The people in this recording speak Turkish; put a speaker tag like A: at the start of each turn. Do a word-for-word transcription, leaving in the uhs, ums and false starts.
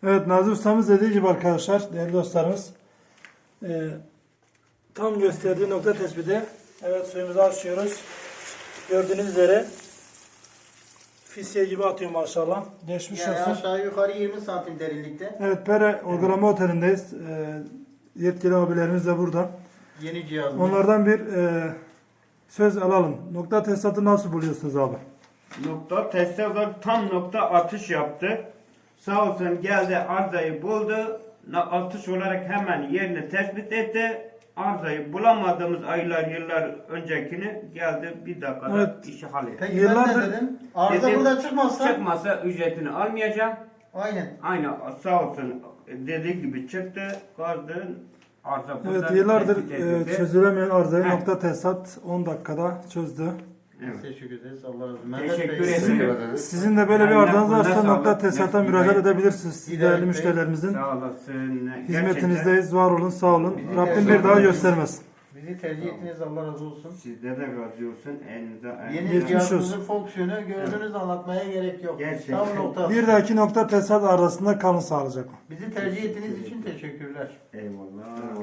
A: Evet, Nazır Ustamız dediği gibi arkadaşlar, değerli dostlarımız, e, tam gösterdiği nokta tespiti. Evet, suyumuzu açıyoruz. Gördüğünüz üzere fisye gibi atıyor maşallah. Geçmiş
B: Yani
A: olsun.
B: aşağı yukarı yirmi santim derinlikte.
A: Evet, Pere Uygulama Oteli'ndeyiz. E, yetkili abilerimiz de burada.
B: Yeni cihazımız.
A: Onlardan bir e, söz alalım. Nokta tesisatı nasıl buluyorsunuz abi?
C: Nokta tesisatı tam nokta atış yaptı. Sağ olsun geldi, arızayı buldu. Na- Atış olarak hemen yerini tespit etti. Arızayı bulamadığımız aylar yıllar öncekini geldi bir dakikada
A: Evet.
C: işi halletti.
B: Peki
A: Yıllardır-
B: ben ne dedim? Arıza
C: Dedim,
B: burada çıkmazsa.
C: Çıkmasa ücretini almayacağım.
B: Aynen.
C: Aynı sağ olsun dediği gibi çıktı. Kazdı. Arıza burada
A: Evet, yıllardır
C: tespit
A: e,
C: edildi.
A: çözülemeyen arızayı
C: Heh.
A: nokta tesisat on dakikada çözdü.
C: Evet.
B: Teşekkür ederiz. Allah razı olsun.
C: Teşekkür
B: Mehmet Bey,
C: ederim.
A: Sizin de böyle bir
C: Aynen,
A: arızanız varsa
C: bundan
A: nokta
C: sağlık.
A: tesisata
C: Mesut
A: müracaat
C: Bey.
A: edebilirsiniz. Siz
B: Hidayet
A: değerli
B: Bey.
A: müşterilerimizin
C: Sağ olasın.
A: hizmetinizdeyiz. Var olun, sağ olun.
B: Bizi
A: Rabbim
B: tercih
A: bir daha
B: edin.
A: göstermesin.
B: bizi tercih ettiniz. Allah razı olsun.
C: Sizde de razı olsun. Elinize
B: Yeni
A: Geçmiş
B: cihazımızın
A: olsun.
B: fonksiyonu gördünüz, anlatmaya gerek yok.
C: Gerçekten.
B: Tam nokta.
A: Bir dahaki nokta tesisat arasında kalın sağlıcakla.
B: Bizi tercih ettiğiniz için teşekkürler.
C: Eyvallah.